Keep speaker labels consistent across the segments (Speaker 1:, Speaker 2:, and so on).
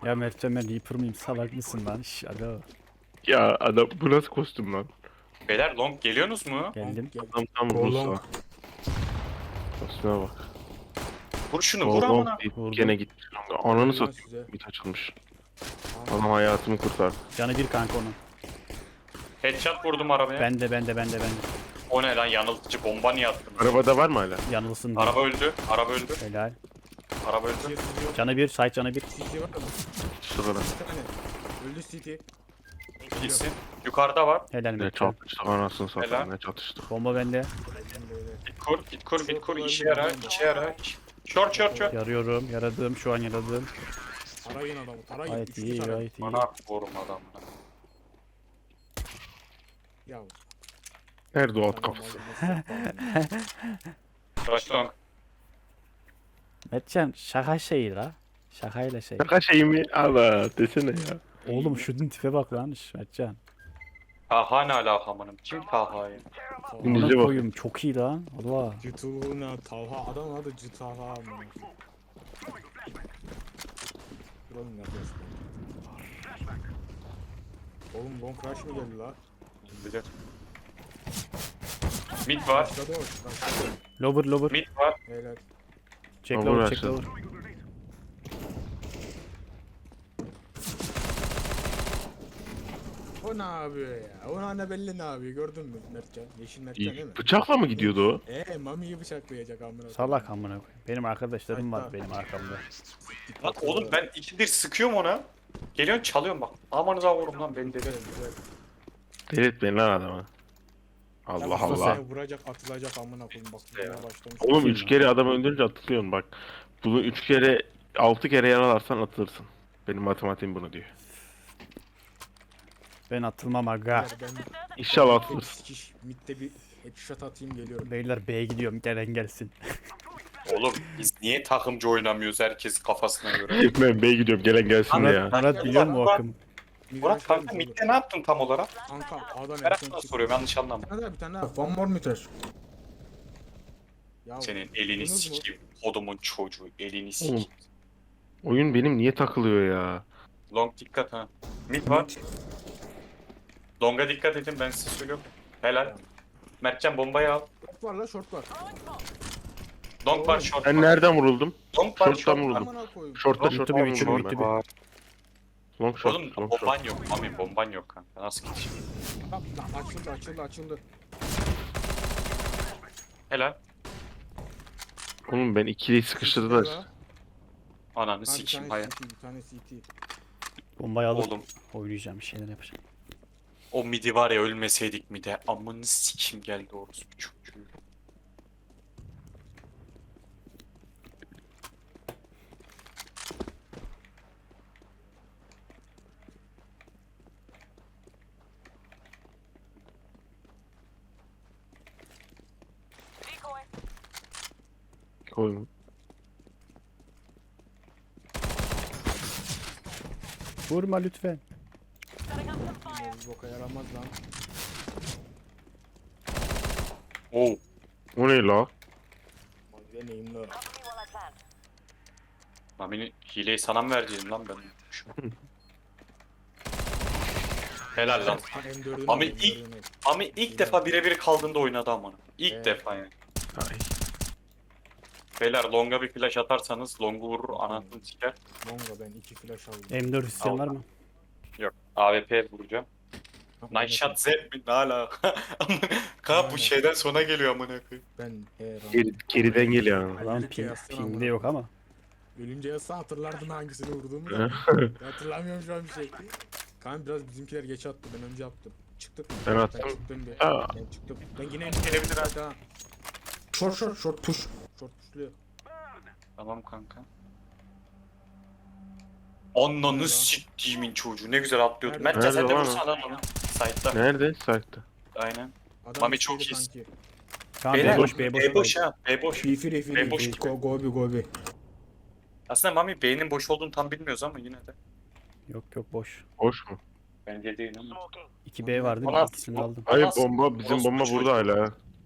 Speaker 1: Ya Mertcan ben Reaper mıyım salak mısın lan? Şş, alo.
Speaker 2: Ya adam bu nasıl kostüm lan?
Speaker 3: Beyler long geliyorsunuz mu?
Speaker 1: Geldim.
Speaker 2: Adam tam
Speaker 4: Golong.
Speaker 2: Rus'a. Kostüme bak.
Speaker 3: Vur şunu vur
Speaker 2: Golong
Speaker 3: amına.
Speaker 2: deyip
Speaker 1: Vurdum.
Speaker 2: gene gitmiş. Ananı
Speaker 4: Helal
Speaker 2: satayım.
Speaker 4: size.
Speaker 2: Bit açılmış. Adam hayatımı kurtardı.
Speaker 1: Canı bir kanka onun.
Speaker 3: Headshot vurdum arabaya.
Speaker 1: Bende.
Speaker 3: O ne lan yanıltıcı bomba niye attın?
Speaker 2: Arabada var mı hala?
Speaker 1: Yanılsın diye.
Speaker 3: Araba öldü. Araba öldü.
Speaker 1: Helal.
Speaker 3: Araba öldü.
Speaker 1: Canı bir, site canı bir.
Speaker 4: CT var mı?
Speaker 2: Şu kadar.
Speaker 4: Bir tane. Öldü CT.
Speaker 3: İyisin. Yukarıda var.
Speaker 1: Helal
Speaker 2: Ne
Speaker 1: Mertcan.
Speaker 2: çatıştık anasını
Speaker 3: Helal.
Speaker 2: satayım ne çatıştık.
Speaker 1: Bomba bende.
Speaker 3: Git kur. Git kur. Git kur. İşe yarar. İşe yarar. Short short short.
Speaker 1: Yarıyorum. Yaradım. Şu an yaradım.
Speaker 4: Tarayın adamı. Tarayın.
Speaker 1: Gayet
Speaker 4: Üçlü
Speaker 1: iyi,
Speaker 4: tarayın.
Speaker 1: gayet iyi.
Speaker 3: Bana vurma adamına.
Speaker 4: Ya.
Speaker 2: Nerede o at kafası?
Speaker 3: Rush long.
Speaker 1: Mertcan şaka şeyi la. Şakayla şey.
Speaker 2: Şaka şey mi? Allah desene ya.
Speaker 1: Oğlum şunun tipe bak lan. Şş, Mertcan.
Speaker 3: Taha ne alaka amınım? Kim Taha'yı?
Speaker 2: İngilizce
Speaker 1: Ona
Speaker 2: bak.
Speaker 1: koyayım çok iyi lan. Allah.
Speaker 4: Cütuğuna Talha. Adam adı Cütaha. Duralım neredesin? Oğlum long crash mı geldi la?
Speaker 3: Bilir. Mid var.
Speaker 4: Başladı o. Başladı.
Speaker 1: Lover.
Speaker 3: Mid var.
Speaker 4: Helal.
Speaker 1: Check
Speaker 2: Lover
Speaker 1: lover, check
Speaker 2: açtı.
Speaker 1: lover.
Speaker 4: O ne yapıyor ya? O anne belli ne yapıyor gördün mü Mertcan? Yeşil Mertcan değil mi?
Speaker 2: Bıçakla mı gidiyordu o?
Speaker 4: Mami'yi bıçaklayacak amına.
Speaker 1: Salak amına koyayım. Benim arkadaşlarım var
Speaker 4: Hatta-
Speaker 1: benim arkamda.
Speaker 3: Lan oğlum ben ikidir sıkıyorum ona. Geliyorsun çalıyorum bak. Amanıza vurum lan beni
Speaker 4: Güzel
Speaker 3: dedi.
Speaker 4: güzel.
Speaker 2: Delirtmeyin lan adamı. Allah
Speaker 4: Ya
Speaker 2: Allah.
Speaker 4: masaya vuracak atılacak amına koyayım bak.
Speaker 3: Ya.
Speaker 4: Ya. Başlamış.
Speaker 2: Oğlum 3 kere adam öldürünce atılıyorsun bak. Bunu 3 kere 6 kere yaralarsan atılırsın. Benim matematiğim bunu diyor.
Speaker 1: Ben atılmam aga.
Speaker 4: Ben
Speaker 2: İnşallah
Speaker 4: bir
Speaker 2: atılırsın.
Speaker 4: sikiş midde bir headshot atayım geliyorum.
Speaker 1: Beyler B'ye gidiyorum. Gelen gelsin.
Speaker 3: Oğlum biz niye takımcı oynamıyoruz herkes kafasına göre?
Speaker 2: Ben B'ye gidiyorum gelen gelsin de ya.
Speaker 1: Murat biliyor musun o akım?
Speaker 3: Murat kanka midde ne yaptın tam olarak?
Speaker 4: Kanka A'dan
Speaker 3: Ben
Speaker 4: erken
Speaker 3: sana
Speaker 4: çık.
Speaker 3: soruyorum yanlış anlama.
Speaker 4: Bir tane daha. One more meter. Ya,
Speaker 3: Senin elini
Speaker 4: duydunuz mu?
Speaker 3: sikeyim. Kodumun çocuğu elini
Speaker 2: Oğlum.
Speaker 3: sikeyim.
Speaker 2: Oyun benim niye takılıyor ya?
Speaker 3: Long dikkat ha. Mid var. Long'a dikkat edin ben size söylüyorum. Helal. Mertcan bombayı al.
Speaker 4: Short var la short var.
Speaker 3: Long var short
Speaker 2: Ben
Speaker 3: var.
Speaker 2: nereden vuruldum?
Speaker 3: Long var
Speaker 2: Short'tan
Speaker 3: short var.
Speaker 2: vuruldum.
Speaker 4: Amına koyayım.
Speaker 2: Short'ta
Speaker 3: Long
Speaker 2: short'ta
Speaker 1: bir
Speaker 2: vuruldum.
Speaker 1: biçim
Speaker 2: ben.
Speaker 1: bitti.
Speaker 3: var.
Speaker 2: Long short.
Speaker 3: Oğlum
Speaker 2: Long short.
Speaker 3: bomban yok. Mami bomban yok kanka. Nasıl gideceğim?
Speaker 4: Lan açıldı.
Speaker 3: Helal.
Speaker 2: Oğlum ben ikiliyi sıkıştırdılar.
Speaker 3: Ananı
Speaker 4: Bir
Speaker 3: sikeyim
Speaker 4: tane
Speaker 3: hayır.
Speaker 4: CT, bir tane CT.
Speaker 1: Bombayı alıp
Speaker 3: Oğlum
Speaker 1: oynayacağım. Bir şeyler yapacağım.
Speaker 3: o midi var ya ölmeseydik mide. Amını sikeyim geldi orospu çocuğu.
Speaker 2: Koyma.
Speaker 1: Vurma lütfen.
Speaker 4: Bu boka yaramaz lan.
Speaker 3: Oo.
Speaker 2: O ne la?
Speaker 4: Mavi neyim la?
Speaker 3: Mami'nin hileyi sana mı vereceğim lan ben? Helal lan.
Speaker 4: M4'ünü
Speaker 3: Ama
Speaker 4: al,
Speaker 3: ilk-
Speaker 4: M4'ünü al.
Speaker 3: Mami ilk defa birebir kaldığında oynadı amına. İlk
Speaker 4: Evet.
Speaker 3: defa yani.
Speaker 2: Ay.
Speaker 3: Beyler longa bir flash atarsanız longu vurur anasını siker.
Speaker 4: Mongo ben 2 flash aldım.
Speaker 1: M4 isteyen var mı?
Speaker 3: Yok. AWP vuracağım. Night shot Z mi? Ne alaka? Kanka bu
Speaker 4: Aynen.
Speaker 3: şeyden sonra geliyor amına koyayım.
Speaker 4: Ben
Speaker 2: Geriden geliyor.
Speaker 1: Lan
Speaker 4: Ölünce yazsana
Speaker 1: pingde
Speaker 4: amına
Speaker 1: yok
Speaker 4: koyayım.
Speaker 1: ama.
Speaker 4: Ölünce yazsa hatırlardın hangisini vurduğumu da. Ben hatırlamıyorum şu an bir şey. Kan biraz bizimkiler geç attı ben önce attım. Çıktık mı?
Speaker 2: Ben attım.
Speaker 4: çıktım bir.
Speaker 2: Aa.
Speaker 4: Ben çıktım. Ben yine
Speaker 3: Gelebilir ha.
Speaker 4: ha. Short push. Short pushluyor.
Speaker 3: Tamam kanka. Ananı siktiğimin çocuğu ne güzel atlıyordu.
Speaker 4: Nerede?
Speaker 3: Mertcan sen de
Speaker 2: Nerede lan
Speaker 3: vursana lan onu. Side'da.
Speaker 2: Nerede? Site'da.
Speaker 3: Aynen.
Speaker 4: Adam
Speaker 3: Mami çok
Speaker 4: içeri
Speaker 3: iyisin.
Speaker 4: sanki.
Speaker 1: Tamam
Speaker 3: Beyler,
Speaker 1: B boş B boş.
Speaker 3: B boş ha. B boş.
Speaker 4: Refi.
Speaker 3: boş gibi.
Speaker 4: Go be.
Speaker 3: Aslında Mami B'nin boş olduğunu tam bilmiyoruz ama yine de.
Speaker 1: Yok boş.
Speaker 2: Boş mu?
Speaker 3: Bence değil ama.
Speaker 1: 2B vardı
Speaker 3: Bana-
Speaker 1: ikisini aldım.
Speaker 2: Hayır
Speaker 3: Nasıl?
Speaker 2: bomba bizim
Speaker 3: Orospu
Speaker 2: bomba
Speaker 3: çocuğu.
Speaker 2: burada hala.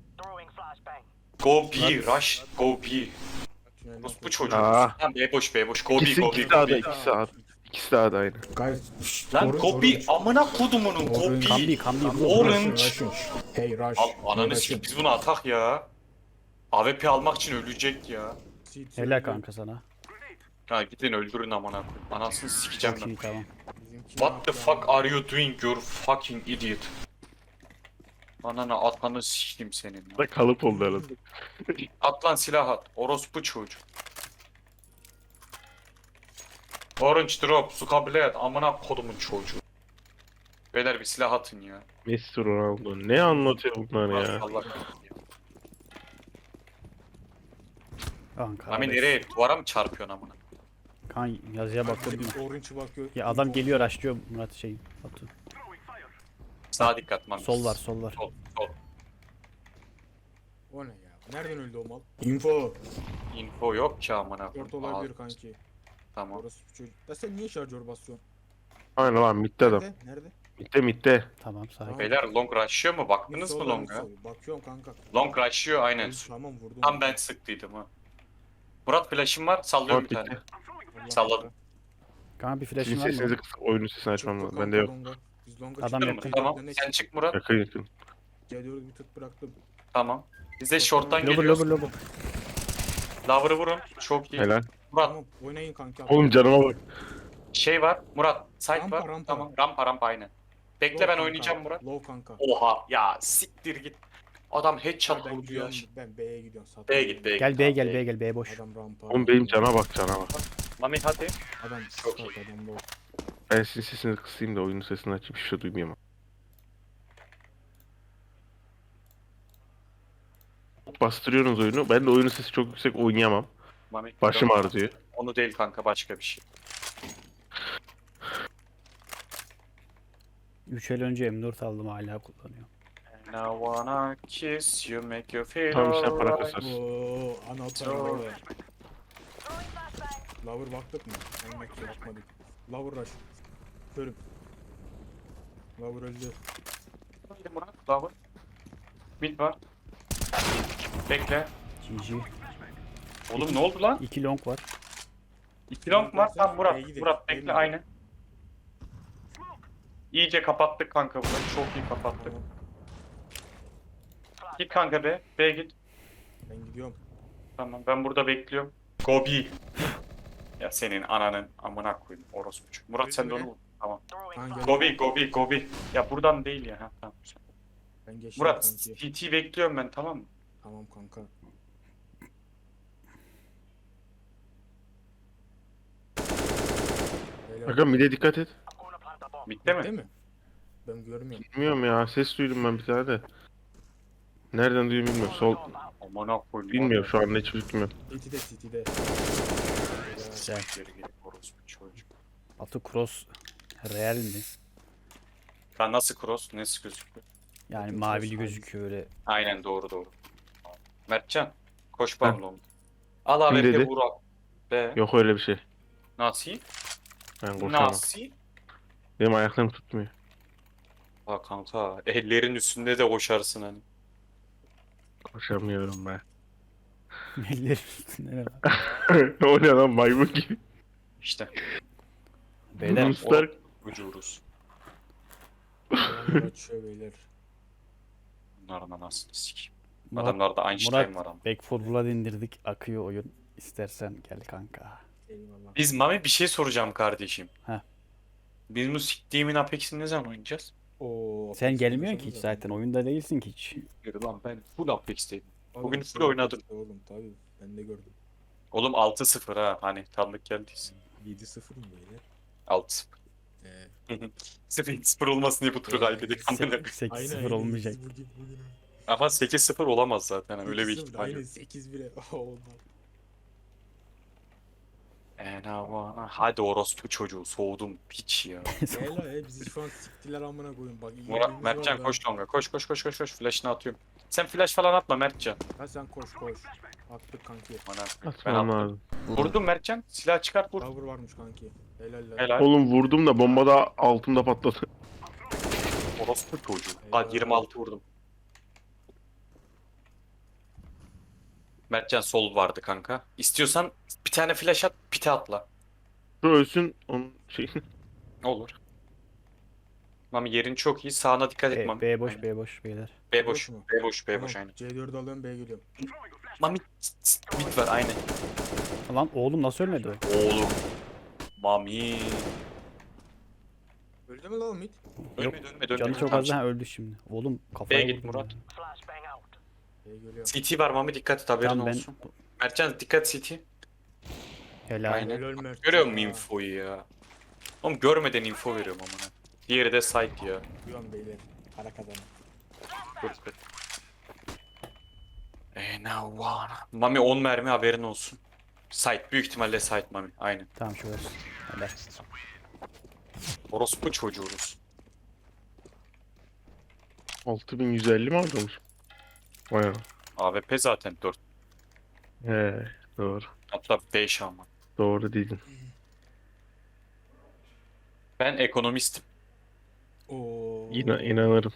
Speaker 3: Go B, rush, go B. Bu çocuğu.
Speaker 2: Aa.
Speaker 3: Tamam B boş, B boş. Go B,
Speaker 2: İkisi
Speaker 3: go B,
Speaker 2: ikisi
Speaker 3: go
Speaker 2: sağda
Speaker 3: B.
Speaker 2: ikisi sağda. İkisi de A'da aynı.
Speaker 4: Guys.
Speaker 3: Lan Gobi amına kodumunun Gobi.
Speaker 1: Kambi.
Speaker 3: Orange.
Speaker 4: Hey Rush.
Speaker 3: Al
Speaker 4: Hey,
Speaker 3: ananı
Speaker 4: Rush'ın.
Speaker 3: sik biz bunu atak ya. AWP almak için ölecek ya.
Speaker 4: CT
Speaker 1: Helal
Speaker 4: öldü.
Speaker 1: kanka sana.
Speaker 3: Ha gidin öldürün amına koyayım. Anasını sikeceğim
Speaker 1: Çok
Speaker 3: ben.
Speaker 1: iyi tamam.
Speaker 4: Bizimki
Speaker 3: What the
Speaker 4: ne
Speaker 3: fuck
Speaker 4: yaptı
Speaker 3: are you doing you fucking idiot? Ananı atanı sikeyim senin ya.
Speaker 2: Da kalıp oldu arada.
Speaker 3: At lan silah at. Orospu çocuğu. Orange drop. Sukabilet. Amına kodumun çocuğu. Beyler bir silah atın ya.
Speaker 2: Messi Ronaldo. Ne anlatıyor bunlar ya?
Speaker 3: Allah.
Speaker 1: Kanka.
Speaker 3: Mami nereye? Duvara mı çarpıyorsun amına?
Speaker 1: Kan yazıya
Speaker 4: ya?
Speaker 1: baktım.
Speaker 4: Bir Orange'ı bakıyor.
Speaker 1: Ya adam geliyor açlıyor Murat şey. Batu.
Speaker 3: Sağa dikkat Mami.
Speaker 1: Sol var.
Speaker 3: Sol. Sol.
Speaker 4: O ne ya? Nereden öldü o mal? Info.
Speaker 3: Info yok ki amına.
Speaker 4: Dört
Speaker 3: koyayım.
Speaker 4: olabilir
Speaker 3: Aa,
Speaker 4: kanki.
Speaker 3: Tamam.
Speaker 4: Orası bir çocuk. Da sen niye şarjör basıyorsun?
Speaker 2: Aynen lan midde adam.
Speaker 4: Nerede?
Speaker 2: Midde.
Speaker 1: Tamam sakin.
Speaker 3: Beyler long rush'ıyor mu? Baktınız mı
Speaker 4: Solda,
Speaker 3: long'a?
Speaker 4: sol. Bakıyorum kanka.
Speaker 3: Long rush'ıyor aynen.
Speaker 4: Tamam vurdum.
Speaker 3: Tam ben sıktıydım ha. Murat flash'ım var. Sallıyorum bir
Speaker 2: Murat
Speaker 3: tane.
Speaker 4: Allah
Speaker 3: salladım.
Speaker 4: Allah.
Speaker 1: Kanka bir
Speaker 2: Sizin
Speaker 1: flash'ın var
Speaker 2: sesinizi
Speaker 1: mı?
Speaker 2: kısıp oyunun sesini açmam
Speaker 4: Çıktı
Speaker 2: lazım.
Speaker 4: kanka
Speaker 2: Bende yok.
Speaker 4: longa. Biz longa
Speaker 1: Adam
Speaker 4: çıktık.
Speaker 1: yakın.
Speaker 3: Tamam.
Speaker 4: Ne
Speaker 3: Sen çık Murat.
Speaker 2: Yakın.
Speaker 4: Geliyoruz bir tık bıraktım.
Speaker 3: Tamam. Biz de short'tan
Speaker 1: Lover
Speaker 3: geliyoruz.
Speaker 1: lover.
Speaker 3: Lover'ı vurun. Çok iyi.
Speaker 2: Helal.
Speaker 3: Murat
Speaker 4: Tamam oynayın kanka.
Speaker 2: Oğlum canıma bak.
Speaker 3: şey var. Murat site
Speaker 4: Rampa,
Speaker 3: var.
Speaker 4: rampa.
Speaker 3: Tamam. Rampa aynen. Bekle
Speaker 4: Low
Speaker 3: ben
Speaker 4: kanka,
Speaker 3: oynayacağım Murat.
Speaker 4: Low kanka.
Speaker 3: Oha ya siktir git. Adam headshot
Speaker 4: Ben
Speaker 3: vurdu ya.
Speaker 4: gidiyorum. Ben B'ye gidiyorum.
Speaker 3: B'ye git B'ye
Speaker 1: Gel
Speaker 3: git.
Speaker 1: B'ye
Speaker 3: Tamam,
Speaker 1: gel B'ye gel B boş.
Speaker 4: Adam rampa.
Speaker 2: Oğlum benim cana bak cana bak.
Speaker 3: Mami hadi.
Speaker 4: Adam
Speaker 3: Çok
Speaker 4: çok adam low.
Speaker 2: Ben sizin sesinizi kısayım da oyunun sesini açayım. Hiçbir şey duymayayım. Bastırıyorsunuz oyunu. Ben de oyunun sesi çok yüksek oynayamam.
Speaker 3: Mami.
Speaker 2: Başım
Speaker 3: yok.
Speaker 2: ağrıyor.
Speaker 3: Onu değil kanka başka bir şey.
Speaker 1: 3 el önce M4 aldım hala kullanıyorum.
Speaker 3: And I wanna kiss you, make you feel
Speaker 2: Tamam işte para
Speaker 3: alright.
Speaker 2: kasarsın.
Speaker 4: Ooo ana
Speaker 3: Çok.
Speaker 4: lover. Lover baktık mı? Anlatıya bakmadık. Lover rush. Körüm. Lover öldü.
Speaker 3: Hadi Murat, Lover. Mid var. Bekle.
Speaker 1: GG.
Speaker 3: Oğlum ne oldu lan?
Speaker 1: 2 long var.
Speaker 3: 2 long var. Tamam Murat.
Speaker 4: B'ye gidelim,
Speaker 3: Murat
Speaker 4: B'ye
Speaker 3: bekle
Speaker 4: gidelim.
Speaker 3: aynen. İyice kapattık kanka burayı. Çok iyi kapattık.
Speaker 4: Tamam.
Speaker 3: Git kanka be. B'ye git.
Speaker 4: Ben gidiyorum.
Speaker 3: Tamam ben burada bekliyorum. Gobi. Ya senin ananın amına koyayım orospu. Murat sen de onu vur. Tamam.
Speaker 4: Ben
Speaker 3: Gobi. Ya buradan değil ya. Ha, tamam.
Speaker 4: Ben geçtim
Speaker 3: Murat
Speaker 4: kanki.
Speaker 3: CT bekliyorum ben tamam mı?
Speaker 4: Tamam kanka. Beyler,
Speaker 2: Bakın mid'e dikkat et.
Speaker 3: Bitti mi?
Speaker 4: Değil mi? Ben görmüyorum.
Speaker 2: Bilmiyorum ya. Ses duydum ben bir tane de. Nereden duydum bilmiyorum. Sol.
Speaker 3: Amına koyayım.
Speaker 2: Bilmiyorum şu an ne çocuk bilmiyorum.
Speaker 4: CT'de.
Speaker 1: Güzel.
Speaker 3: Geri geri orospu çocuk.
Speaker 1: Batu cross real mi?
Speaker 3: Ben nasıl cross? Nasıl gözüküyor?
Speaker 1: Yani
Speaker 4: Bakın
Speaker 1: mavili
Speaker 4: cross
Speaker 1: gözüküyor öyle.
Speaker 3: Aynen doğru. Mertcan. Koş
Speaker 2: Ha.
Speaker 3: bana oğlum. Al
Speaker 2: Kim
Speaker 3: AWP
Speaker 2: dedi?
Speaker 3: vur. Be.
Speaker 2: Yok öyle bir şey.
Speaker 3: Nasıl?
Speaker 2: Ben koşamam.
Speaker 3: Nasıl?
Speaker 2: Benim ayaklarım tutmuyor.
Speaker 3: Ha kanka ellerin üstünde de koşarsın hani.
Speaker 2: Koşamıyorum ben.
Speaker 1: Ellerim üstünde ne var?
Speaker 2: O ne lan maymun gibi.
Speaker 3: İşte
Speaker 1: Beyler
Speaker 2: Ruslar
Speaker 3: ucuruz.
Speaker 4: Lover açıyor beyler.
Speaker 3: Bunların anasını sikeyim.
Speaker 1: Murat,
Speaker 3: Adamlarda Einstein
Speaker 1: Murat
Speaker 3: var ama.
Speaker 1: Back 4 Blood indirdik. Akıyor oyun. İstersen gel kanka.
Speaker 4: Eyvallah.
Speaker 3: Biz Mami bir şey soracağım kardeşim.
Speaker 1: Heh.
Speaker 3: Biz bu siktiğimin Apex'ini ne zaman oynayacağız?
Speaker 4: Oo,
Speaker 1: Sen
Speaker 4: Apex
Speaker 1: gelmiyorsun ki hiç
Speaker 4: oynasanıza.
Speaker 1: zaten. Oyunda değilsin ki hiç.
Speaker 3: Yürü lan ben full Apex'teyim.
Speaker 4: Oğlum,
Speaker 3: Bugün
Speaker 4: full
Speaker 3: full oynadım.
Speaker 4: Apex'te Oğlum tabii ben de gördüm.
Speaker 3: Oğlum 6-0 ha hani tanıdık geldiyse.
Speaker 4: 7-0 mı beyler?
Speaker 3: 6-0.
Speaker 4: Ee,
Speaker 3: 0 olmasın diye bu turu kaybedik. amına koyayım.
Speaker 1: 8-0 olmayacak.
Speaker 4: Bugün.
Speaker 3: Ama 8-0 olamaz zaten öyle bir
Speaker 4: 8-0,
Speaker 3: ihtimal yok.
Speaker 4: Aynen 8-1'e olmaz.
Speaker 3: Hadi orospu çocuğu soğudum piç ya.
Speaker 4: Beyler bizi şu an siktiler amına koyun bak. iyi
Speaker 3: Murat
Speaker 4: oyunumuz
Speaker 3: Mertcan
Speaker 4: var da.
Speaker 3: koş longa koş. Flash'ını atıyorum. Sen flash falan atma Mertcan.
Speaker 4: Ha sen koş. Attık kanki.
Speaker 3: Bana ben
Speaker 2: atmam
Speaker 3: attım.
Speaker 2: lazım.
Speaker 3: Vurdum Mertcan. Silah çıkart vur.
Speaker 4: Tower varmış kanki. Helal.
Speaker 3: Helal.
Speaker 2: Oğlum vurdum da bomba da altımda patladı.
Speaker 3: Orospu çocuğu.
Speaker 4: Eyvallah.
Speaker 3: Hadi 26 vurdum. Mertcan sol vardı kanka. İstiyorsan bir tane flash at, pite atla.
Speaker 2: Şu ölsün onun Şey.
Speaker 3: Olur. Mami yerin çok iyi. Sağına dikkat et Mami.
Speaker 1: B boş
Speaker 3: Aynen.
Speaker 1: B boş beyler.
Speaker 3: B boş.
Speaker 4: mu?
Speaker 3: B boş. B
Speaker 4: Tamam,
Speaker 3: boş aynen.
Speaker 4: C4'ü alıyorum B'ye geliyorum.
Speaker 3: Mami mid var aynen.
Speaker 1: Lan oğlum nasıl ölmedi o?
Speaker 3: Oğlum. Mami.
Speaker 4: Öldü mü lan o mid?
Speaker 3: Ölmedi ölmedi.
Speaker 1: Canı çok
Speaker 3: Tamam,
Speaker 1: az, ha, öldü şimdi. Oğlum kafaya
Speaker 3: B'ye git
Speaker 1: vurdum
Speaker 3: Murat.
Speaker 1: ya.
Speaker 4: B'ye geliyorum.
Speaker 3: CT var Mami dikkat et haberin
Speaker 1: Tamam ben
Speaker 3: olsun. Mertcan dikkat CT.
Speaker 1: helal.
Speaker 3: Aynen.
Speaker 4: Helal Mert
Speaker 3: Görüyor
Speaker 4: ya.
Speaker 3: musun infoyu ya? Oğlum görmeden info veriyorum amına. Diğeri de site ya.
Speaker 4: Uyan beyler. Para kazanın.
Speaker 3: Dur dur. Now one. Mami 10 mermi haberin olsun. Site büyük ihtimalle site Mami. Aynen.
Speaker 1: Tamam şurası. Helal.
Speaker 3: Orospu çocuğuz.
Speaker 2: 6150 mi almış? Vay.
Speaker 3: AWP zaten 4.
Speaker 2: He, doğru.
Speaker 3: Hatta 5 ama.
Speaker 2: Doğru dedin.
Speaker 3: Ben ekonomistim.
Speaker 4: Oo.
Speaker 2: İnanırım.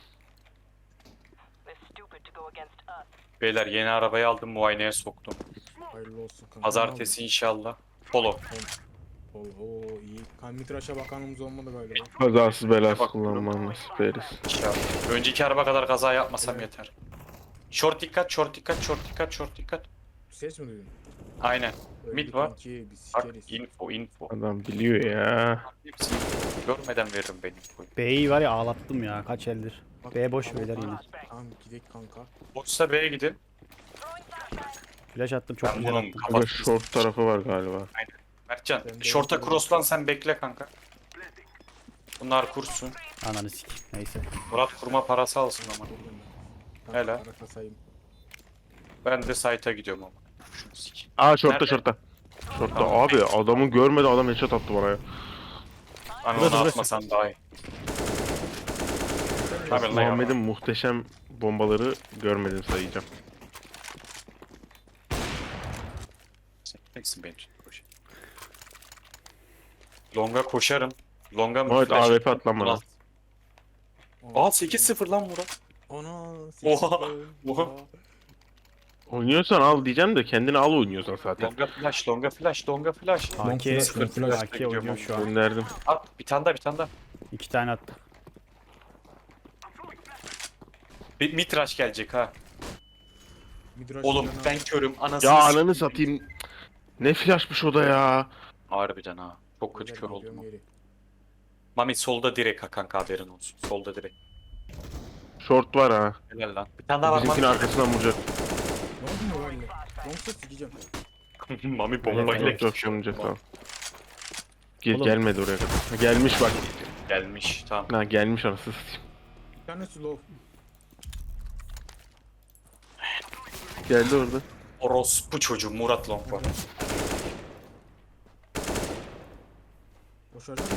Speaker 3: Beyler yeni arabayı aldım muayeneye soktum.
Speaker 4: Hayırlı olsun kanka.
Speaker 3: Pazartesi inşallah. Polo.
Speaker 4: Oo iyi. Kan mitraşa bakanımız olmadı galiba.
Speaker 2: Kazasız belasız
Speaker 3: Bak-
Speaker 2: kullanmanı nasip eylesin.
Speaker 3: İnşallah. Önceki araba kadar kaza yapmasam yeter. Short dikkat, short dikkat, short dikkat, short dikkat.
Speaker 4: Ses mi duydun?
Speaker 3: Aynen.
Speaker 4: Öldü
Speaker 3: Mid var.
Speaker 4: kanki, biz
Speaker 3: Bak
Speaker 4: sikeriz.
Speaker 3: info.
Speaker 2: Adam biliyor ya.
Speaker 3: Hepsini görmeden veririm ben infoyu.
Speaker 1: B'yi var ya ağlattım ya kaç eldir.
Speaker 4: Bak,
Speaker 1: B boş
Speaker 4: tamam,
Speaker 1: beyler
Speaker 4: tamam.
Speaker 1: yine.
Speaker 4: Tamam gidelim kanka.
Speaker 3: Boşsa B'ye gidin.
Speaker 1: Flash attım çok
Speaker 3: Ben
Speaker 1: güzel
Speaker 3: bunun
Speaker 1: attım.
Speaker 2: Ama short tarafı var galiba.
Speaker 3: Mertcan,
Speaker 4: Ben de
Speaker 3: short'a
Speaker 4: yapıyorum.
Speaker 3: crosslan sen bekle kanka. Bunlar kursun.
Speaker 1: Ananı sik. Neyse.
Speaker 3: Murat kurma parası alsın ama.
Speaker 4: Geliyorum ben. Kanka,
Speaker 3: Helal.
Speaker 4: para kasayım.
Speaker 3: Ben de site'a gidiyorum ama. Şunu sik.
Speaker 2: Aa shortta
Speaker 3: Nerede?
Speaker 2: shortta. Shortta
Speaker 3: Tamam.
Speaker 2: abi adamı görmedi adam headshot attı bana ya.
Speaker 3: Hani
Speaker 1: Burası,
Speaker 3: onu
Speaker 1: burası.
Speaker 3: atmasan daha iyi. Abi lan
Speaker 2: Muhammed'in muhteşem bombaları görmedim sayacağım.
Speaker 3: Sen teksin beni tut. koş. Longa koşarım. Longa mı?
Speaker 2: Muhammed
Speaker 3: flash-
Speaker 2: AWP at lan bana.
Speaker 3: Aa 8-0 lan Murat.
Speaker 4: Ana.
Speaker 3: Oha, oha.
Speaker 2: Oynuyorsan al diyeceğim de kendini al oynuyorsan zaten.
Speaker 3: Longa flash, longa flash, longa flash.
Speaker 1: AK,
Speaker 4: flash,
Speaker 1: AK oynuyor şu an.
Speaker 2: Gönderdim.
Speaker 3: At bir tane daha bir tane daha.
Speaker 1: 2 tane attı.
Speaker 3: Bir mitraş gelecek ha.
Speaker 4: Midrash
Speaker 3: Oğlum
Speaker 4: yana-
Speaker 3: ben körüm anasını
Speaker 2: Ya
Speaker 3: sikeyim.
Speaker 2: ananı satayım. Ne flashmış o da ya.
Speaker 3: Harbiden ha. Çok kötü
Speaker 4: Beyler,
Speaker 3: kör
Speaker 4: geliyorum
Speaker 3: oldum.
Speaker 4: geri.
Speaker 3: Mami solda direkt ha kanka haberin olsun. Solda direkt.
Speaker 2: Short var ha.
Speaker 3: Helal lan. Bir tane daha var
Speaker 2: Bizimkinin
Speaker 3: Mami.
Speaker 2: arkasından vuracak.
Speaker 4: Ne oldu mu böyle? Longsa sikeceğim.
Speaker 3: Mami bombayla
Speaker 2: Yok yok
Speaker 3: geçiyor.
Speaker 2: vuracak tamam.
Speaker 1: Oğlum.
Speaker 2: Gelmedi oraya kadar. Ha, gelmiş bak.
Speaker 3: Gelmiş tamam.
Speaker 2: Ha gelmiş anasını satayım.
Speaker 4: Bir tanesi low.
Speaker 2: Geldi orada.
Speaker 3: Orospu çocuğu Murat Long var.
Speaker 4: Boşaracak mı?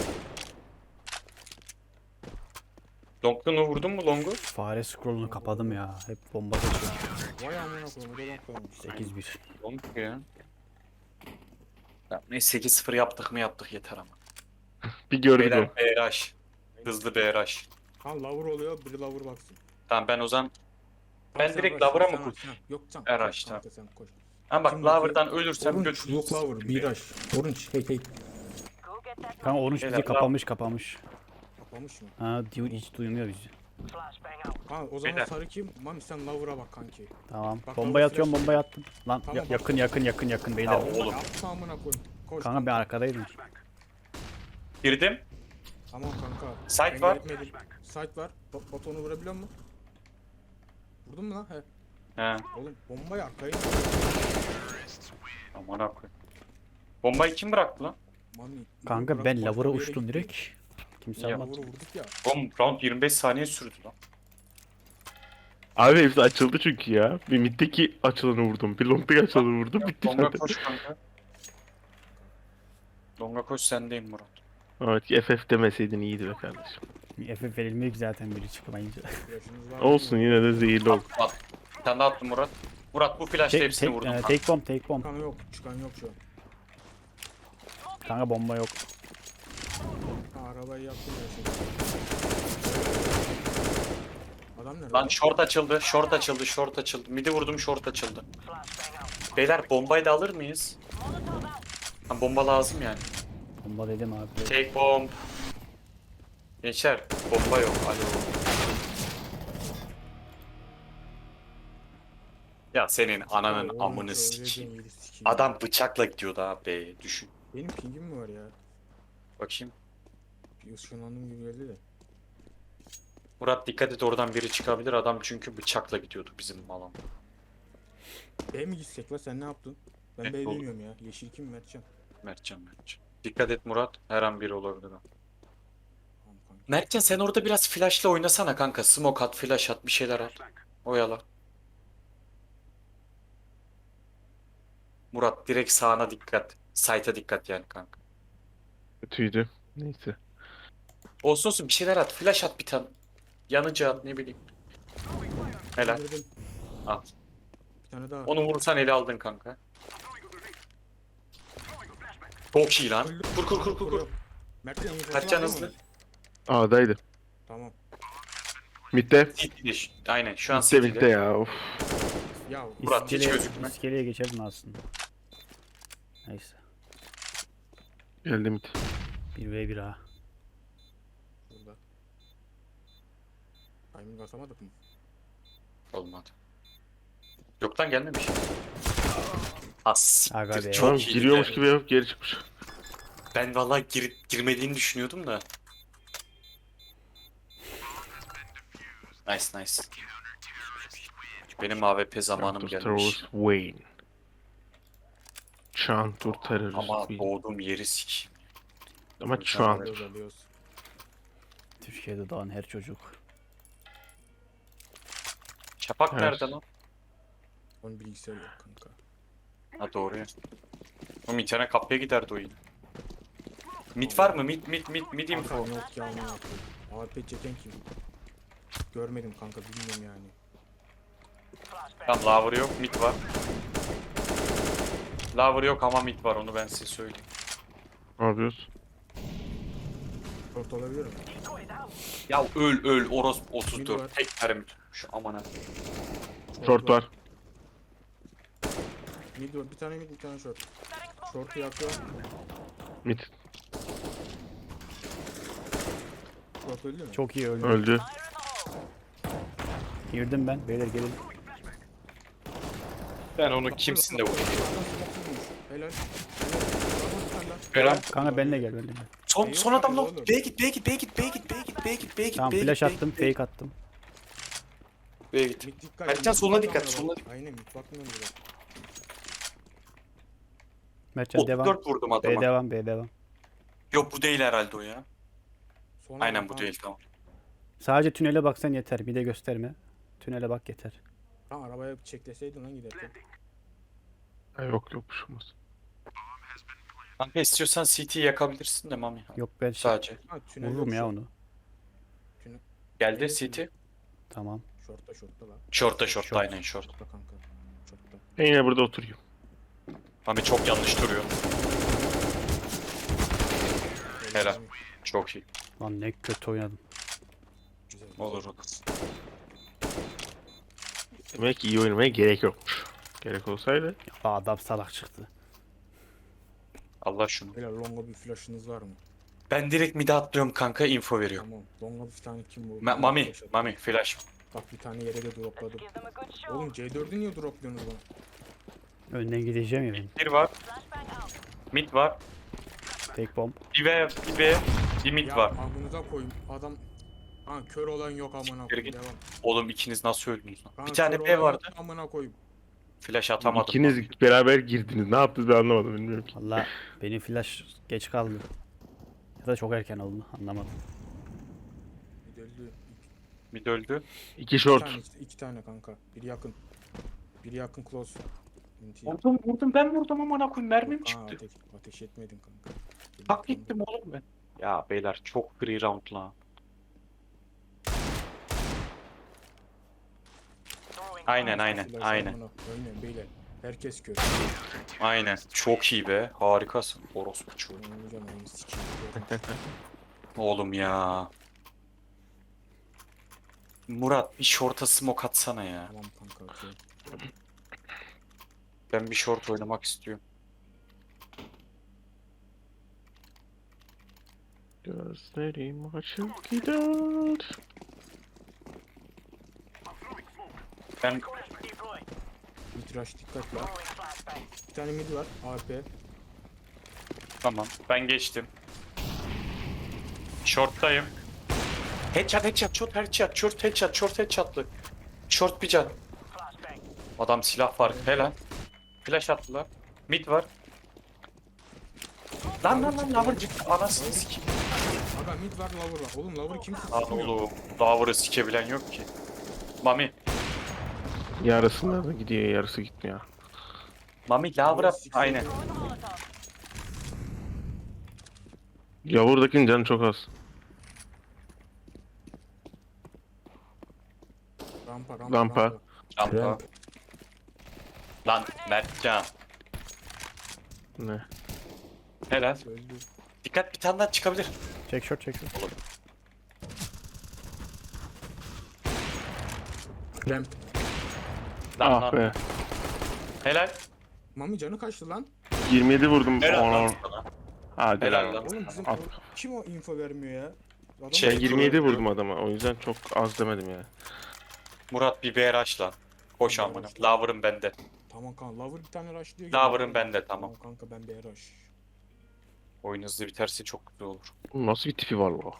Speaker 3: Long'unu vurdun mu Long'u?
Speaker 1: Fare scroll'unu kapadım ya. Hep bomba geçiyor.
Speaker 4: Vay amına koyayım. O da long koymuş.
Speaker 1: 8-1.
Speaker 3: Long ya. Ya, neyse 8-0 yaptık mı yaptık yeter ama.
Speaker 2: Bir gördük o.
Speaker 3: Beyler BRH. Hızlı BRH.
Speaker 4: Ha lover oluyor. Biri lover baksın.
Speaker 3: Tamam ben o zaman
Speaker 4: Tamam,
Speaker 3: Ben
Speaker 4: sen
Speaker 3: direkt
Speaker 4: koş,
Speaker 3: lover'a
Speaker 4: sen
Speaker 3: mı
Speaker 4: koş, sen- Yok sen.
Speaker 3: Her
Speaker 4: koş
Speaker 3: açtı.
Speaker 4: kanka, sen koş.
Speaker 3: ha bak
Speaker 4: Şimdi
Speaker 3: Lover'dan
Speaker 4: bakayım.
Speaker 3: ölürsem
Speaker 4: Orange,
Speaker 3: götür.
Speaker 4: yok lover. Miraj. Orange. Hey.
Speaker 1: Kanka orange
Speaker 3: Beyler,
Speaker 1: bizi kapamış kapamış.
Speaker 4: Kapamış mı?
Speaker 1: Ha diyor hiç duymuyor bizi.
Speaker 4: Ha o zaman
Speaker 3: Beyler.
Speaker 4: sarı kim? Mami sen lover'a bak kanki.
Speaker 1: Tamam.
Speaker 4: Bak,
Speaker 1: Bombayı
Speaker 4: bak,
Speaker 1: atıyorum
Speaker 4: flash-
Speaker 1: bombayı attım. Lan
Speaker 4: Tamam, bak.
Speaker 1: yakın beyler.
Speaker 3: Ya, oğlum.
Speaker 4: Yapma amına koyayım. Koş.
Speaker 1: Kanka ben arkadaydım.
Speaker 3: Girdim.
Speaker 4: Tamam kanka.
Speaker 3: Site
Speaker 4: Ben
Speaker 3: var.
Speaker 4: gitmedim. Site var. Batonu vurabiliyor musun? Vurdun mu lan? He.
Speaker 3: He.
Speaker 4: Oğlum bombayı arkaya.
Speaker 3: Aman koy. Bombayı kim bıraktı lan?
Speaker 4: Mami.
Speaker 1: Kanka
Speaker 4: bırak,
Speaker 1: ben
Speaker 4: başka
Speaker 1: lavura
Speaker 4: bir yere
Speaker 1: uçtum
Speaker 4: gitti.
Speaker 1: direkt. Kimse
Speaker 3: Ya,
Speaker 1: almadı.
Speaker 4: Lover'ı vurduk ya.
Speaker 3: Oğlum round 25 saniye sürdü lan.
Speaker 2: Abi hepsi açıldı çünkü ya. Bir middeki açılanı vurdum. Bir long'daki açılanı vurdum. Bitti
Speaker 3: Longa
Speaker 2: zaten.
Speaker 3: koş kanka. Longa koş sendeyim Murat.
Speaker 2: Evet FF demeseydin iyiydi be kardeşim.
Speaker 1: FF verilmiyor ki zaten biri çıkmayınca.
Speaker 4: Flash'ınız var
Speaker 2: Olsun
Speaker 4: mı?
Speaker 2: yine de zehirli oldu.
Speaker 3: At. Bir tane daha attım Murat. Murat bu flash'ta hepsini vurdum kanka.
Speaker 1: Take bomb.
Speaker 4: Çıkan yok. Çıkan yok şu an.
Speaker 1: Kanka bomba yok.
Speaker 4: Ha, arabayı yaptım ya şimdi. Adam nerede?
Speaker 3: Lan short açıldı. Midi vurdum short açıldı. Beyler bombayı da alır mıyız? Ha, bomba lazım yani.
Speaker 1: Bomba dedim abi.
Speaker 3: Take bomb. Gençler bomba yok. Alo. Ya senin ananın
Speaker 4: Oğlum,
Speaker 3: amını
Speaker 4: öyle
Speaker 3: sikeyim.
Speaker 4: demeyi sikeyim.
Speaker 3: Adam bıçakla gidiyordu abi. Düşün.
Speaker 4: Benim pingim mi var ya?
Speaker 3: Bakayım.
Speaker 4: Bir ışınlandım gibi geldi de.
Speaker 3: Murat dikkat et, oradan biri çıkabilir. Adam çünkü bıçakla gidiyordu bizim alan.
Speaker 4: B mi gitsek la, sen ne yaptın? Ben
Speaker 3: Evet,
Speaker 4: B
Speaker 3: olur.
Speaker 4: bilmiyorum ya. Yeşil kim, Mertcan?
Speaker 3: Mertcan. Dikkat et Murat. Her an biri olabilir. ha.
Speaker 4: Tamam kanka.
Speaker 3: Mertcan sen orada biraz flash'la oynasana kanka. Smoke at, flash at, bir şeyler at. Oyala. Murat direkt sağına dikkat. Sight'a dikkat yani kanka.
Speaker 2: Kötüydü. Neyse.
Speaker 3: Olsun olsun bir şeyler at. Flash at bir tane. Yanıcı at, ne bileyim. Helal.
Speaker 4: Öldürdüm.
Speaker 3: At.
Speaker 4: Bir tane daha.
Speaker 3: Onu vurursan ele aldın kanka. Çok iyi lan.
Speaker 4: Öldü.
Speaker 3: Kur kur kur kur kur.
Speaker 4: Mertcan infosunu
Speaker 3: Mertcan
Speaker 4: alıyor
Speaker 3: hızlı.
Speaker 4: musun?
Speaker 2: A'daydı.
Speaker 4: Tamam.
Speaker 2: Mid'de.
Speaker 3: Aynen şu an
Speaker 2: Mid'de mid'de
Speaker 3: City'de.
Speaker 2: ya. Of.
Speaker 4: Ya
Speaker 3: Murat, hiç gözükme.
Speaker 1: İskeleye geçerdin aslında. Neyse.
Speaker 2: Geldi mid.
Speaker 1: 1v1 ha.
Speaker 4: burada. Timing basamadık mı?
Speaker 3: Olmadı. Yoktan gelmemiş. As.
Speaker 1: Aga be.
Speaker 3: Çok
Speaker 2: Tamam
Speaker 3: iyiydi
Speaker 2: giriyormuş
Speaker 3: de.
Speaker 2: gibi yapıp geri çıkmış.
Speaker 3: Ben vallahi girmediğini düşünüyordum da. Nice nice. Benim AWP zamanım
Speaker 2: Chantur
Speaker 3: gelmiş.
Speaker 2: Terrorist Wayne. Chantur Terrorist
Speaker 3: Ama
Speaker 2: Wayne.
Speaker 3: doğduğum yeri sikeyim.
Speaker 2: Ama şu an.
Speaker 4: Alıyoruz alıyoruz.
Speaker 1: Türkiye'de doğan her çocuk.
Speaker 3: Şafak
Speaker 2: Evet.
Speaker 3: nerede lan?
Speaker 4: Onun bilgisayar yok kanka.
Speaker 3: Ha doğru ya. Oğlum internet kapıya giderdi o yine. Mid var mı? Mid info.
Speaker 4: Kanka yok ya, onu yapıyor. AWP çeken kim? Görmedim kanka, bilmiyorum yani.
Speaker 3: Tamam lover yok, mid var. Lover yok ama mid var, onu ben size söyleyeyim.
Speaker 2: Ne yapıyoruz?
Speaker 4: Short olabilir mi?
Speaker 3: Ya öl orospu
Speaker 4: Mid
Speaker 3: 34
Speaker 4: var.
Speaker 3: tek mermi tutmuş amına.
Speaker 2: Short var.
Speaker 4: Mid var. Bir tane mid, bir tane short. Short'u yakıyor.
Speaker 2: Mid.
Speaker 4: Short öldü mü?
Speaker 1: Çok iyi öldü.
Speaker 2: Öldü.
Speaker 1: Girdim ben. Beyler gelin.
Speaker 3: Ben onu kimsin de vurur.
Speaker 4: Helal.
Speaker 3: Helal.
Speaker 1: Kanka benimle gel benimle gel.
Speaker 3: Son adam lan.
Speaker 4: Oğlum.
Speaker 3: B'ye git.
Speaker 1: Tamam flash attım. Fake attım.
Speaker 3: B'ye git.
Speaker 4: Mid dikkat.
Speaker 3: Mertcan,
Speaker 4: mid
Speaker 3: soluna
Speaker 4: bakmıyor
Speaker 3: dikkat,
Speaker 4: bak.
Speaker 3: soluna dikkat.
Speaker 4: Aynen, mid bakmıyorum bile.
Speaker 1: Mertcan devam.
Speaker 3: 34 vurdum
Speaker 1: B
Speaker 3: adama.
Speaker 1: devam. B devam.
Speaker 3: Yok bu değil herhalde o ya.
Speaker 4: Sonra
Speaker 3: Aynen
Speaker 4: bak,
Speaker 3: bu
Speaker 4: ha.
Speaker 3: değil, tamam.
Speaker 1: Sadece tünele baksan yeter. Bir de gösterme. Tünele bak yeter.
Speaker 4: Ha, arabaya çekleseydin lan giderken.
Speaker 2: Ha, yok bir şey olmaz.
Speaker 3: Kanka istiyorsan CT'yi yakabilirsin de Mami.
Speaker 1: Yok ben
Speaker 3: Sadece.
Speaker 4: Ha, tünel
Speaker 1: vururum
Speaker 4: yok
Speaker 1: ya
Speaker 4: short.
Speaker 1: onu.
Speaker 3: Geldi
Speaker 4: Evet,
Speaker 3: CT.
Speaker 1: Tamam.
Speaker 4: Short'ta lan.
Speaker 3: Short'ta
Speaker 1: Short.
Speaker 3: aynen short.
Speaker 4: Short'ta kanka. Short'ta.
Speaker 2: Ben yine burada oturuyorum.
Speaker 3: Mami çok yanlış duruyor. Helal.
Speaker 4: Mami,
Speaker 3: Çok iyi.
Speaker 1: Lan ne kötü oynadım.
Speaker 4: Güzel.
Speaker 3: Olur.
Speaker 2: Demek ki iyi oynamaya gerek yokmuş. Gerek olsaydı.
Speaker 1: Aa, adam salak çıktı.
Speaker 3: Allah şunu.
Speaker 4: Helal, longa bir flash'ınız var mı?
Speaker 3: Ben direkt mid'e atlıyorum kanka, info veriyorum.
Speaker 4: Tamam. Longa bir tane kim bu?
Speaker 3: Mami flash.
Speaker 4: Bak bir tane yere de dropladım. Oğlum C4'ü niye dropluyorsunuz bana?
Speaker 1: Önden gideceğim ya ben.
Speaker 3: Bir var. Mid var.
Speaker 1: Fake bomb.
Speaker 3: Bir mid
Speaker 4: Ya
Speaker 3: var.
Speaker 4: amınıza koyayım. Adam... Ha, kör olan yok amına koyayım.
Speaker 3: git.
Speaker 4: Devam.
Speaker 3: Oğlum ikiniz nasıl öldünüz lan?
Speaker 4: Ha,
Speaker 3: Bir tane
Speaker 4: kör
Speaker 3: B
Speaker 4: olan
Speaker 3: vardı.
Speaker 4: yok, amına koyayım.
Speaker 3: Flash atamadım.
Speaker 2: İkiniz beraber girdiniz. Ne yaptınız ben anlamadım bilmiyorum ki.
Speaker 1: Valla benim flash geç kaldı. Ya da çok erken oldu. Anlamadım.
Speaker 4: Bir de öldü.
Speaker 3: Mid öldü.
Speaker 2: İki
Speaker 4: İki
Speaker 2: short.
Speaker 4: tane, iki tane kanka. Biri yakın. Biri yakın close. Minti.
Speaker 3: Vurdum ben vurdum amına koyayım, mermim
Speaker 4: Aa,
Speaker 3: çıktı.
Speaker 4: ateş etmedin kanka.
Speaker 3: Tak gittim oğlum ben. Ya beyler çok free round lan. Aynen.
Speaker 4: Aynen beyler. Herkes kör.
Speaker 3: Aynen. Çok iyi be. Harikasın. Orospu çocuğu.
Speaker 4: Hocam onu sikeyim.
Speaker 3: Oğlum ya. Murat bir short'a smoke atsana ya.
Speaker 4: Tamam kanka, okey.
Speaker 3: Ben bir short oynamak istiyorum.
Speaker 2: Gözlerim açık gider.
Speaker 3: Ben
Speaker 4: Mitraş dikkat la. Bir tane mid var. AP.
Speaker 3: tamam. Ben geçtim. Short'tayım. Headshot, short headshot'lı. Short bir can. Adam silah var. Helal. Flash attılar. Mid var. Lan lavırcık. Anasını sikeyim.
Speaker 4: Aga mid var lover var. Oğlum lover kimse
Speaker 3: Lan
Speaker 4: tutmuyor.
Speaker 3: oğlum. Lavırı sikebilen yok ki. Mami.
Speaker 2: Yarısında da gidiyor, yarısı gitmiyor.
Speaker 3: Mami lavıra.
Speaker 4: Sikeyim.
Speaker 3: Aynen.
Speaker 2: Yavurdakinin canı çok az.
Speaker 4: Rampa.
Speaker 3: Rampa. Lan Mertcan.
Speaker 2: Ne?
Speaker 3: Helal.
Speaker 4: Öldü.
Speaker 3: Dikkat, bir tane daha çıkabilir.
Speaker 1: Çek short çek short.
Speaker 4: Ramp.
Speaker 3: Lan
Speaker 2: Ah be.
Speaker 3: Helal.
Speaker 4: Mami canı kaçtı lan.
Speaker 2: 27 vurdum.
Speaker 3: Helal
Speaker 2: Ona.
Speaker 3: lan sana.
Speaker 2: Hadi
Speaker 3: Helal
Speaker 2: lan.
Speaker 3: lan.
Speaker 4: Oğlum bizim
Speaker 2: At.
Speaker 4: kim o info vermiyor ya? Adam
Speaker 3: Şey,
Speaker 2: Ben 27 vurdum adama. O yüzden çok az demedim ya.
Speaker 3: Murat bir BRH lan. Koş amına. Lavırım bende.
Speaker 4: Tamam kanka lover bir tane rush diyor.
Speaker 3: Lover'ın bende, tamam.
Speaker 4: Kanka ben bir rush.
Speaker 3: Oyun hızlı biterse çok güzel olur.
Speaker 2: Oğlum nasıl bir tipi var o?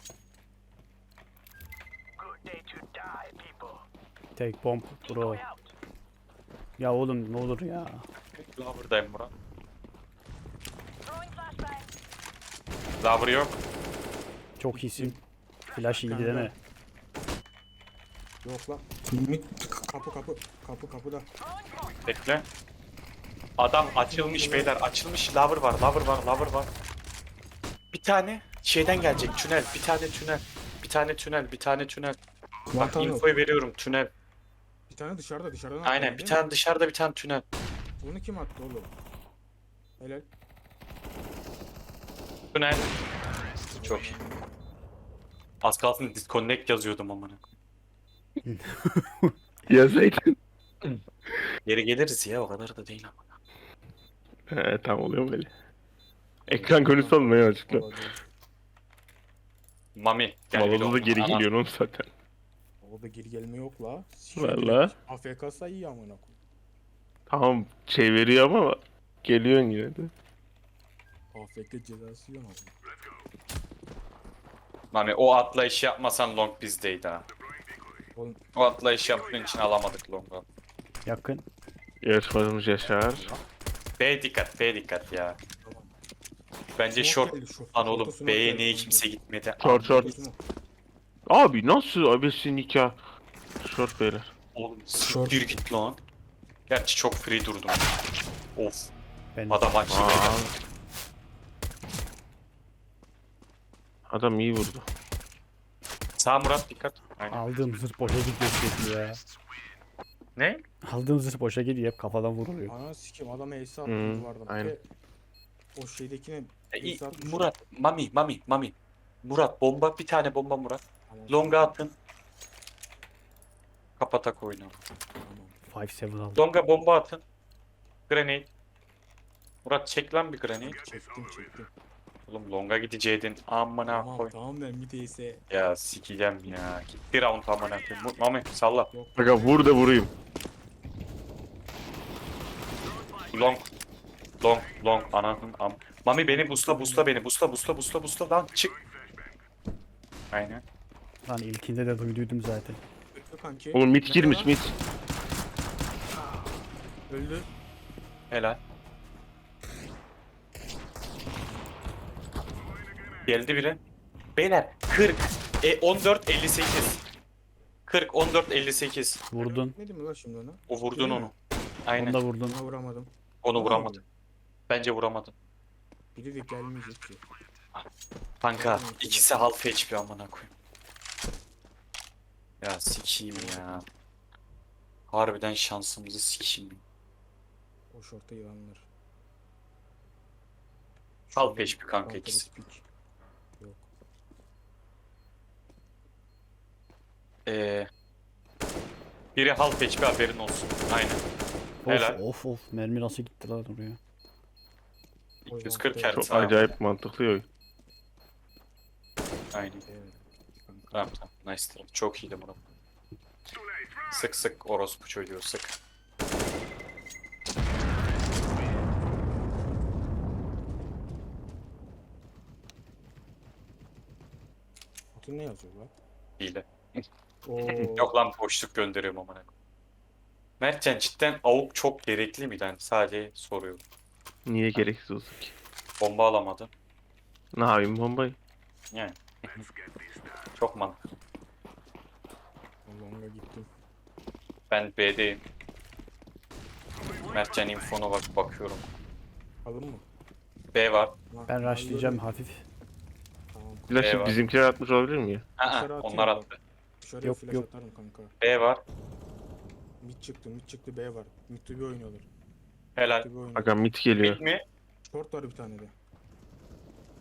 Speaker 1: Take bomb bro. Ya oğlum ne olur ya.
Speaker 3: Lover'dayım Murat. Lover yok.
Speaker 1: Çok iyisin. Flash iyiydi değil mi?
Speaker 4: Yok lan. Mid kapıda.
Speaker 3: Bekle. Adam açılmış beyler. Açılmış. Lover var. Bir tane şeyden gelecek. Tünel. Bir tane tünel. Bak
Speaker 4: Mantan yok.
Speaker 3: infoyu veriyorum. Tünel.
Speaker 4: Bir tane dışarıdan
Speaker 3: Aynen.
Speaker 4: attı,
Speaker 3: Bir
Speaker 4: değil mi?
Speaker 3: tane dışarıda, bir tane tünel.
Speaker 4: Onu kim attı oğlum? Helal.
Speaker 3: Tünel. Çok iyi. Az kalsın disconnect yazıyordum amına.
Speaker 2: Yazaydın.
Speaker 3: Geri geliriz ya, o kadar da değil ama.
Speaker 2: He tam oluyor böyle. Ekran görüntüsü olmuyor açıkla.
Speaker 3: Mami. Gel bir
Speaker 2: Malada da geri
Speaker 3: Ana,
Speaker 2: geliyor oğlum zaten.
Speaker 4: Orada geri gelme yok la.
Speaker 2: Valla.
Speaker 4: AFK sayı amına koy.
Speaker 2: Tamam şey veriyor ama geliyorsun yine de.
Speaker 4: AFK cezası yok ama.
Speaker 3: Mami o atlayışı yapmasan long bizdeydi ha.
Speaker 4: Oğlum
Speaker 3: O atlayışı yaptığın için alamadık long'u.
Speaker 1: Yakın.
Speaker 2: Yarışmacımız Yaşar.
Speaker 3: B dikkat ya. Bence
Speaker 4: smoke
Speaker 3: short.
Speaker 4: geldi, short.
Speaker 3: Lan oğlum
Speaker 4: Short'a smoke
Speaker 3: B'ye
Speaker 4: geldi.
Speaker 3: niye kimse gitmedi?
Speaker 2: Short.
Speaker 4: Smoke.
Speaker 2: Abi nasıl abesi nikah? Short beyler.
Speaker 3: Oğlum
Speaker 4: Short.
Speaker 3: siktir git lan. Gerçi çok free durdum. Of.
Speaker 1: Ben
Speaker 3: Adam açtı
Speaker 2: Aa.
Speaker 3: beyler.
Speaker 2: Adam iyi vurdu.
Speaker 3: Sağ Murat dikkat. Aynen.
Speaker 1: aldığım zırh boşa gidiyor sürekli ya.
Speaker 3: Ne?
Speaker 1: Aldığım zırh boşa gidiyor hep kafadan vuruluyor.
Speaker 4: Ana sikim adam ace attı
Speaker 2: Hı,
Speaker 4: duvardan.
Speaker 2: aynen.
Speaker 4: Ve o şeydekine ace atmış.
Speaker 3: Murat, Mami. Murat bomba, bir tane bomba Murat.
Speaker 4: Tamam,
Speaker 3: Longa atın. Kapatak oyunu.
Speaker 4: tamam.
Speaker 1: 5-7 aldım.
Speaker 3: Longa bomba atın. Grenade. Murat çek lan bir grenade.
Speaker 4: Çektim.
Speaker 3: Oğlum longa gideceydin. Amına koy.
Speaker 4: Tamam ben bir ace.
Speaker 3: Ya sikeceğim ya. Gitti round amına koyayım. Mami salla.
Speaker 4: Yok.
Speaker 2: Aga vur da vurayım.
Speaker 3: Long. Ananın am. Mami beni busla beni. Busla lan çık. Aynen.
Speaker 1: Lan ilkinde de duyduydum zaten.
Speaker 4: Öldü kanki.
Speaker 2: Oğlum mid
Speaker 4: Nerede
Speaker 2: girmiş
Speaker 4: lan?
Speaker 2: mid.
Speaker 4: Öldü.
Speaker 3: Helal. Geldi biri. Beyler 40. 14 58. 40 14 58.
Speaker 1: Vurdun.
Speaker 4: Ne mi lan şimdi ona?
Speaker 3: O vurdun
Speaker 4: Değil mi?
Speaker 3: onu. Aynen.
Speaker 1: Onu da vurdun.
Speaker 4: Ona vuramadım.
Speaker 3: Onu
Speaker 4: Ona
Speaker 3: vuramadı.
Speaker 4: vurdum.
Speaker 3: Bence vuramadı.
Speaker 4: Biri de gelmeyecek ki.
Speaker 3: Kanka ikisi half HP amına koyayım. Ya sikeyim ya. Harbiden şansımızı sikeyim.
Speaker 4: O şorta yılanlar.
Speaker 3: Half HP kanka
Speaker 4: Counter
Speaker 3: ikisi.
Speaker 4: speak. Yok.
Speaker 3: Biri half HP haberin olsun. Aynen. Helal.
Speaker 1: Of mermi nasıl gitti lan oraya.
Speaker 3: 240
Speaker 4: Çok
Speaker 3: her
Speaker 2: Çok
Speaker 3: sağ.
Speaker 2: acayip mantıklı oyun.
Speaker 3: Aynen.
Speaker 4: Evet. Kanka.
Speaker 3: Tamam tamam. Nice try. Çok iyiydi Murat. Sık sık orospu çocuğu sık.
Speaker 4: Atın ne yazıyor lan?
Speaker 3: Hile.
Speaker 4: Oo.
Speaker 3: Yok lan boşluk gönderiyorum amına. Mertcan cidden AWP çok gerekli miydi? Yani sadece soruyorum.
Speaker 2: Niye gereksiz olsun ki?
Speaker 3: Bomba alamadın.
Speaker 2: Ne yapayım bombayı?
Speaker 3: Yani. Çok mantıklı.
Speaker 4: Long'a gittim.
Speaker 3: Ben B'deyim. Mertcan infona bakıyorum.
Speaker 4: Alın mı?
Speaker 3: B var.
Speaker 4: Lan,
Speaker 1: Ben rushlayacağım
Speaker 4: alıyorum.
Speaker 1: hafif.
Speaker 4: Tamam.
Speaker 2: Flaşı
Speaker 3: Eyvah.
Speaker 2: bizimkiler atmış olabilir mi ya?
Speaker 3: Aa,
Speaker 4: Dışarı atıyor
Speaker 3: onlar
Speaker 4: bak.
Speaker 3: attı.
Speaker 4: Dışarıya
Speaker 1: Yok,
Speaker 4: flash
Speaker 1: yok.
Speaker 4: atarım kanka.
Speaker 3: B var.
Speaker 4: Mid çıktı B var. Mid to B oynuyorlar.
Speaker 3: Helal.
Speaker 4: Mid to B oynuyorlar.
Speaker 2: Aga mit geliyor.
Speaker 3: Mid mi?
Speaker 4: Short var bir tane de.